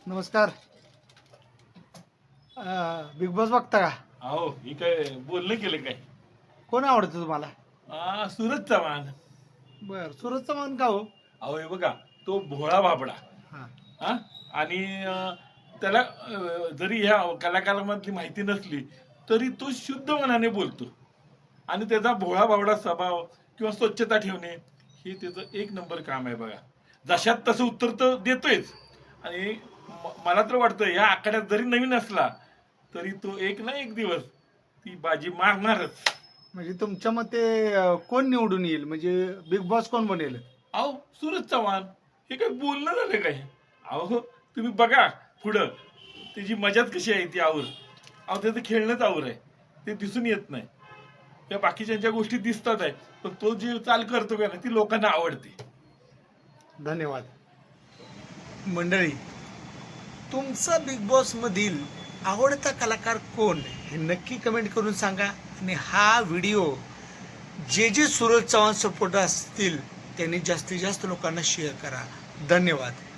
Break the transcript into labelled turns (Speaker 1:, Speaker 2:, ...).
Speaker 1: नमस्कार. Big boss बघता का?
Speaker 2: अहो ही काय बोलणं केलं काय?
Speaker 1: कोण आवडतं तुम्हाला?
Speaker 2: सूरज चव्हाण.
Speaker 1: बर, सूरज चव्हाण का हो?
Speaker 2: अहो हे बघा, तो भोळा बाबडा.
Speaker 1: हां.
Speaker 2: हा आणि त्याला जरी ह्या कलाकारामधली माहिती नसली तरी तो शुद्ध मनाने बोलतो आणि त्याचा भोळा बाबडा स्वभाव किंवा स्वच्छता ठेवणे हे त्याचं एक नंबर काम आहे बघा. जशात तसं उत्तर तर देतोयच. आणि मला तर वाटतं या आखाड्यात जरी नवीन असला तरी तो एक ना एक दिवस ती बाजी मारणारच.
Speaker 1: म्हणजे तुमच्या मते कोण निवडून येईल? म्हणजे बिग बॉस कोण बनेल?
Speaker 2: अहो सूरज चव्हाण हे काय बोलणं झालं काय? अहो तुम्ही बघा पुढं त्याची मजाच कशी आहे ती आवर. अहो त्याचं खेळणंच आवर आहे, ते दिसून येत नाही. या बाकीच्या गोष्टी दिसतात आहे, पण तो जी चाल करतो का ना ती लोकांना आवडते.
Speaker 1: धन्यवाद. मंडळी, तुमचा बिग बॉस मधील आवडता कलाकार कोण हे नक्की कमेंट करून सांगा. आणि हा व्हिडिओ जे सूरज चव्हाण सपोर्टर असतील त्यांनी जास्तीत जास्त लोकांना शेअर करा. धन्यवाद.